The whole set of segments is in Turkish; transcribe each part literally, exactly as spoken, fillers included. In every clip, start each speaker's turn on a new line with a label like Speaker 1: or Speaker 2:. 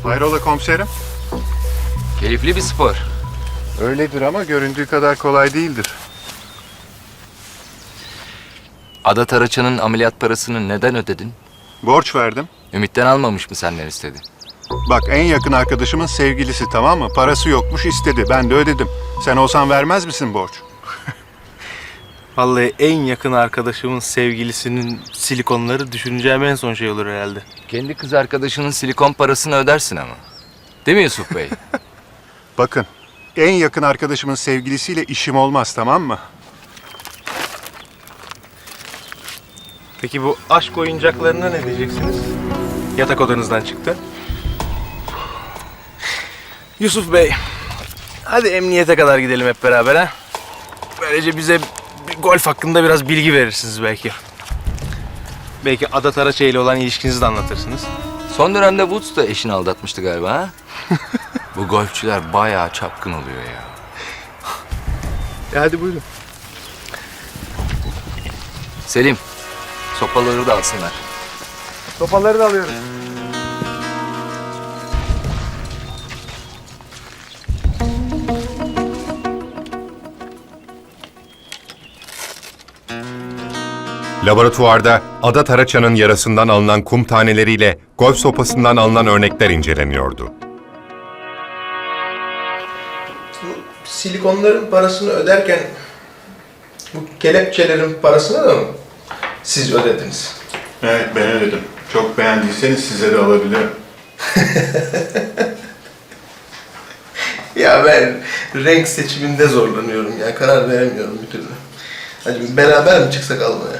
Speaker 1: Hayrola komiserim?
Speaker 2: Keyifli bir spor.
Speaker 1: Öyledir ama göründüğü kadar kolay değildir.
Speaker 2: Ada Taraçan'ın ameliyat parasını neden ödedin?
Speaker 1: Borç verdim.
Speaker 2: Ümit'ten almamış mı senden istedi?
Speaker 1: Bak en yakın arkadaşımın sevgilisi, tamam mı? Parası yokmuş, istedi. Ben de ödedim. Sen olsan vermez misin borç?
Speaker 3: Vallahi en yakın arkadaşımın sevgilisinin silikonları düşüneceğim en son şey olur herhalde.
Speaker 2: Kendi kız arkadaşının silikon parasını ödersin ama. Değil mi Yusuf Bey?
Speaker 1: Bakın, en yakın arkadaşımın sevgilisiyle işim olmaz, tamam mı?
Speaker 3: Peki bu aşk oyuncaklarına ne diyeceksiniz? Yatak odanızdan çıktı. Yusuf Bey, hadi emniyete kadar gidelim hep beraber ha. Böylece bize bir golf hakkında biraz bilgi verirsiniz belki. Belki Ada Taraçay ile olan ilişkinizi de anlatırsınız.
Speaker 2: Son dönemde Woods da eşini aldatmıştı galiba ha? Bu golfçüler bayağı çapkın oluyor ya.
Speaker 3: E hadi buyurun.
Speaker 2: Selim, sopaları da alsınlar.
Speaker 3: Topaları da alıyorum.
Speaker 4: Laboratuvarda Ada Taraçan'ın yarasından alınan kum taneleriyle golf sopasından alınan örnekler inceleniyordu.
Speaker 3: Bu silikonların parasını öderken bu kelepçelerin parasını da mı siz ödediniz?
Speaker 1: Evet, ben ödedim. Çok beğendiyseniz size de alabilirim.
Speaker 3: Ya ben renk seçiminde zorlanıyorum ya. Karar veremiyorum bir türlü. Hadi beraber mi çıksak almaya?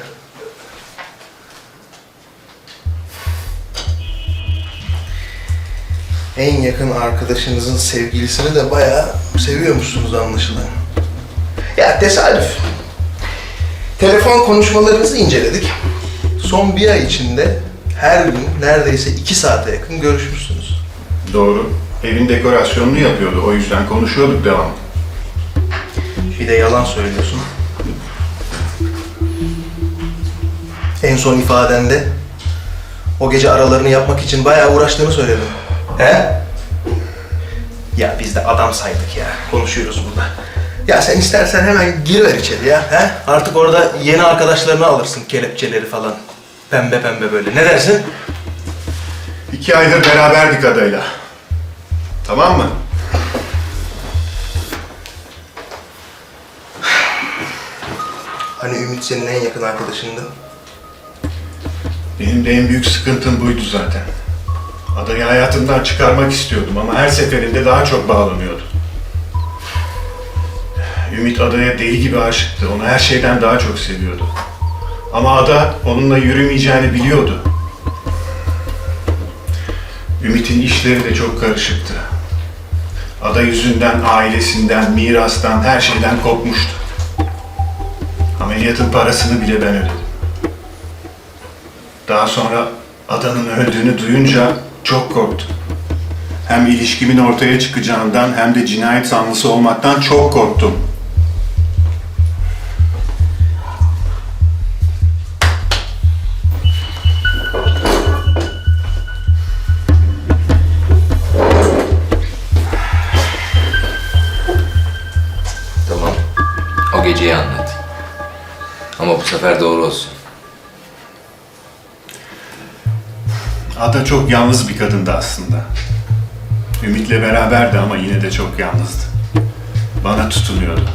Speaker 3: En yakın arkadaşınızın sevgilisini de bayağı seviyormuşsunuz anlaşılan. Ya tesadüf. Telefon konuşmalarınızı inceledik. Son bir ay içinde her gün neredeyse iki saate yakın görüşmüşsünüz.
Speaker 1: Doğru. Evin dekorasyonunu yapıyordu. O yüzden konuşuyorduk devam.
Speaker 3: Bir de yalan söylüyorsun. En son ifadende o gece aralarını yapmak için bayağı uğraştığını söyledin. He? Ya biz de adam saydık ya. Konuşuyoruz burada. Ya sen istersen hemen giriver içeri ya. He? Artık orada yeni arkadaşlarını alırsın, kelepçeleri falan. Pembe pembe böyle. Ne dersin?
Speaker 1: İki aydır beraberdik adayla. Tamam mı?
Speaker 3: Hani Ümit senin en yakın arkadaşındı.
Speaker 1: Benim de en büyük sıkıntım buydu zaten. Adayı hayatımdan çıkarmak istiyordum ama her seferinde daha çok bağlanıyordu. Ümit Ada'ya deli gibi aşıktı. Onu her şeyden daha çok seviyordu. Ama Ada onunla yürümeyeceğini biliyordu. Ümit'in işleri de çok karışıktı. Ada yüzünden ailesinden, mirastan, her şeyden kopmuştu. Ameliyatın parasını bile ben ödedim. Daha sonra Ada'nın öldüğünü duyunca çok korktum. Hem ilişkimin ortaya çıkacağından hem de cinayet sanlısı olmaktan çok korktum.
Speaker 2: Tamam. O geceyi anlat. Ama bu sefer doğru olsun.
Speaker 1: Ada çok yalnız bir kadındı aslında. Ümit'le beraberdi ama yine de çok yalnızdı. Bana tutunuyordu.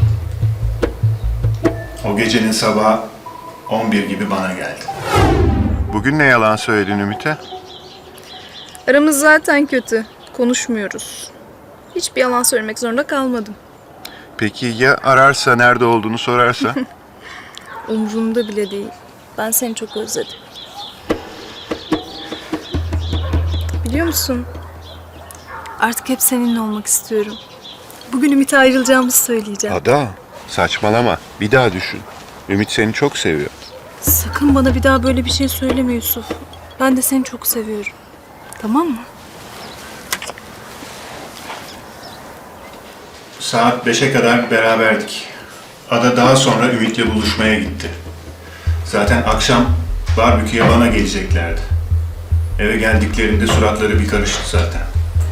Speaker 1: O gecenin sabahı on bir gibi bana geldi. Bugün ne yalan söyledin Ümit'e?
Speaker 5: Aramız zaten kötü. Konuşmuyoruz. Hiçbir yalan söylemek zorunda kalmadım.
Speaker 1: Peki ya ararsa, nerede olduğunu sorarsa?
Speaker 5: Umurumda bile değil. Ben seni çok özledim. Biliyor musun? Artık hep seninle olmak istiyorum. Bugün Ümit'e ayrılacağımızı söyleyeceğim.
Speaker 1: Ada, saçmalama. Bir daha düşün. Ümit seni çok seviyor.
Speaker 5: Sakın bana bir daha böyle bir şey söyleme Yusuf. Ben de seni çok seviyorum. Tamam mı?
Speaker 1: Saat beşe kadar beraberdik. Ada daha sonra Ümit'le buluşmaya gitti. Zaten akşam barbeküye bana geleceklerdi. Eve geldiklerinde suratları bir karıştı zaten.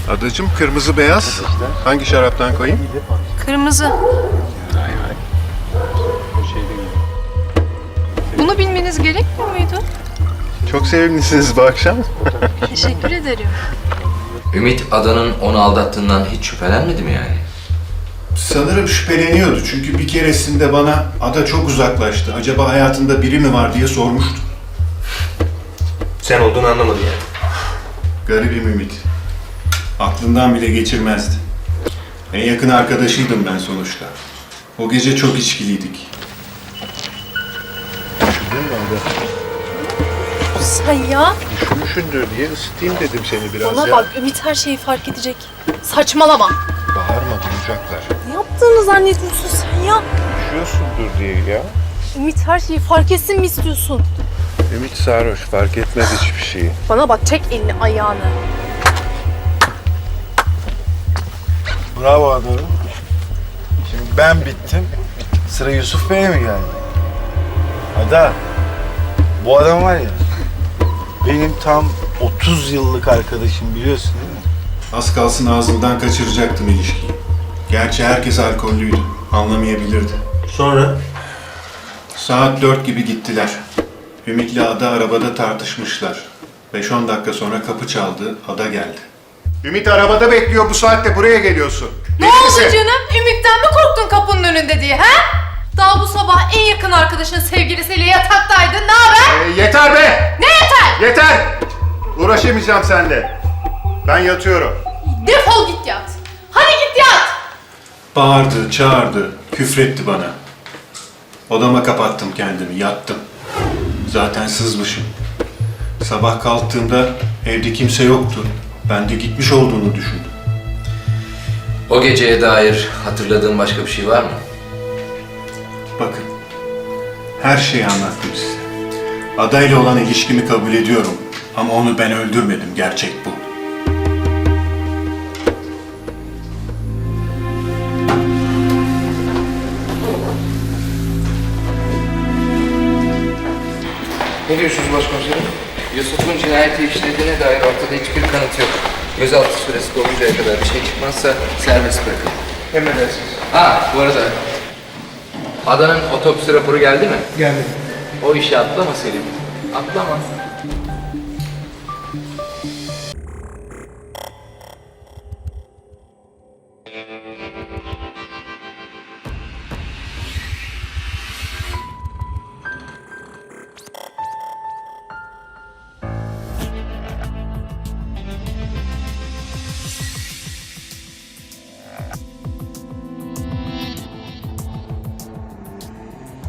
Speaker 1: Adacığım kırmızı beyaz. Hangi şaraptan koyayım?
Speaker 5: Kırmızı. Bunu bilmeniz gerekmiyor muydu?
Speaker 1: Çok sevimlisiniz bu akşam.
Speaker 5: Teşekkür ederim.
Speaker 2: Ümit Adan'ın onu aldattığından hiç şüphelenmedi mi yani?
Speaker 1: Sanırım şüpheleniyordu çünkü bir keresinde bana Ada çok uzaklaştı. Acaba hayatında biri mi var diye sormuştu.
Speaker 3: Sen olduğunu anlamadı yani.
Speaker 1: Garibim Ümit. Aklından bile geçirmezdi. En yakın arkadaşıydım ben sonuçta. O gece çok içkiliydik.
Speaker 5: Sen ya.
Speaker 6: Üşümüşündür diye ısıtayım dedim seni biraz
Speaker 5: Bana
Speaker 6: ya.
Speaker 5: bak, Ümit her şeyi fark edecek. Saçmalama.
Speaker 6: Bağırma, duyacaklar.
Speaker 5: Ne yaptığını zannediyorsun sen ya?
Speaker 6: Üşüyorsundur diye ya.
Speaker 5: Ümit her şeyi fark etsin mi istiyorsun?
Speaker 6: Ümit sarhoş, fark etmez hiçbir şeyi.
Speaker 5: Bana bak, çek elini ayağını.
Speaker 6: Bravo adamım. Şimdi ben bittim. Sıra Yusuf Bey'e mi geldi? Ada, bu adam var ya, benim tam otuz yıllık arkadaşım, biliyorsun değil mi?
Speaker 1: Az kalsın ağzımdan kaçıracaktım ilişkiyi. Gerçi herkes alkollüydü. Anlamayabilirdi.
Speaker 3: Sonra?
Speaker 1: Saat dört gibi gittiler. Ümit'le Ada arabada tartışmışlar. beş on dakika sonra kapı çaldı. Ada geldi. Ümit arabada bekliyor. Bu saatte buraya geliyorsun.
Speaker 7: Ne oldu canım? Ümit'ten mi korktun kapının önünde diye, ha? Daha bu sabah en yakın arkadaşın sevgilisiyle yataktaydın. Ne haber?
Speaker 1: Ee, yeter be!
Speaker 7: Ne yeter?
Speaker 1: Yeter! Uğraşamayacağım seninle. Ben yatıyorum.
Speaker 7: Defol git yat. Hadi git yat.
Speaker 1: Bağırdı, çağırdı, küfretti bana. Odama kapattım kendimi, yattım. Zaten sızmışım. Sabah kalktığımda evde kimse yoktu. Ben de gitmiş olduğunu düşündüm.
Speaker 2: O geceye dair hatırladığın başka bir şey var mı?
Speaker 1: Bakın, her şeyi anlattım size. Adayla olan ilişkimi kabul ediyorum. Ama onu ben öldürmedim, gerçek bu.
Speaker 2: Ne diyorsunuz başkomiserim? Yusuf'un cinayeti işlediğine dair ortada hiçbir kanıt yok. Gözaltı süresi doluncaya kadar bir şey çıkmazsa serbest bırakın.
Speaker 3: Emredersiniz.
Speaker 2: Ha, bu arada Adan'ın otopsi raporu geldi mi?
Speaker 3: Geldi.
Speaker 2: O işi atlama Selim. Atlama.